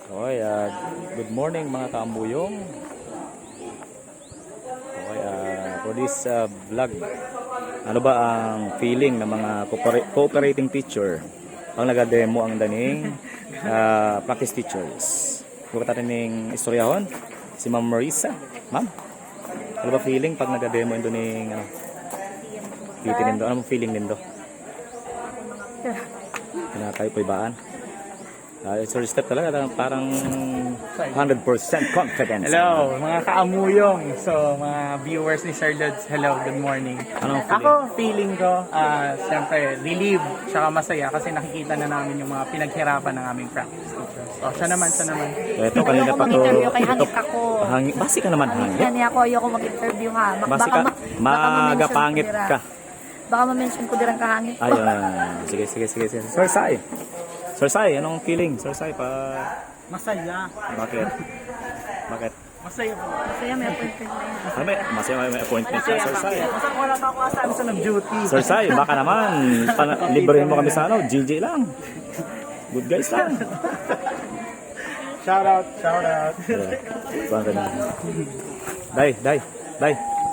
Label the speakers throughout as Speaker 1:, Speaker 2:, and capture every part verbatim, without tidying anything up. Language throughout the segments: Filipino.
Speaker 1: Okay, uh, good morning mga kaambuyong. Okay, uh, for this uh, vlog, ano ba ang feeling ng mga coopera- cooperating teacher ang nagademo ang daning uh, practice teachers? Huwag natin ng istoryahon, si Ma'am Marisa. Ma'am, ano ba feeling pag nagademo ito ng ano, titin nindo? Ano feeling nindo? Kinakay po ibaan. Uh, it's a step talaga, parang one hundred percent confidence.
Speaker 2: Hello, mga kaamuyong. So, mga viewers ni Sir Lods, hello, good morning.
Speaker 1: Anong feeling?
Speaker 2: Ako, feeling ko, uh, siyempre, relieved, tsaka masaya kasi nakikita na namin yung mga pinaghirapan ng aming practice teachers. O, siya naman, siya naman.
Speaker 1: Ito, kanina pa to.
Speaker 3: Mag-interview kay hangit ako.
Speaker 1: Hangi, basi ka naman hangit.
Speaker 3: Kani ako, ayoko mag-interview ha. Bak-
Speaker 1: Basi ka,
Speaker 3: ma- baka ma-mention
Speaker 1: magapangit
Speaker 3: ko dira.
Speaker 1: ka.
Speaker 3: Baka ma-mention ko dirang kahangit ko.
Speaker 1: Ayun. Sige, sige, sige, sige. Sir Sai. Sir Sai, anong feeling? Sir Sai, pa...
Speaker 2: Masaya.
Speaker 1: Bakit? Bakit?
Speaker 2: Masaya po.
Speaker 3: Masaya may appointment na yan.
Speaker 1: Ay, may, masaya may, may appointment ka, Sir Sai.
Speaker 2: Masaya wala pa ako asabi sa nag-duty.
Speaker 1: Sir Sai, baka naman, pan- librehin mo kami sa ano, G J lang. Good guys lang.
Speaker 2: Shout out, shout out.
Speaker 1: Saan ka na? Day, day, day.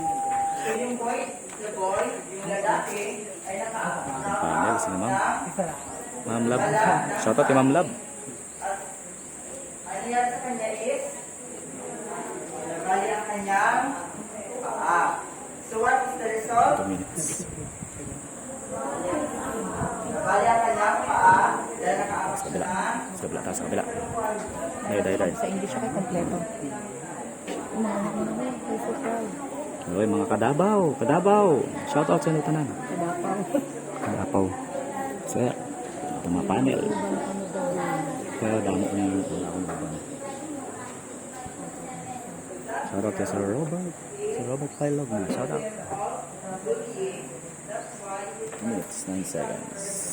Speaker 1: Panel, sino ma'am? Ma'am Lab. Shout out kay Ma'am Lab.
Speaker 4: Ano yan sa kanya is, nabali ang kanyang paa. So what is the result?
Speaker 1: two minutes.
Speaker 4: Nabali ang kanyang paa, dahil
Speaker 1: Sa
Speaker 4: nakaabot
Speaker 1: kabila.
Speaker 4: na.
Speaker 1: Sa kabila, taas sa kabila. Day, day, day.
Speaker 3: Sa English ako kompleto. Mga mga ay so proud.
Speaker 1: Oy, mga kadabaw, kadabaw. Shout out sa inyo tanan.
Speaker 3: Kadapaw.
Speaker 1: Kadapaw. Sa ito mga panel. Kaya damo na yung wala akong babang. Shout out kay Sir Robert. Sir Robert Pailog na. Shout out. two minutes, nine seconds.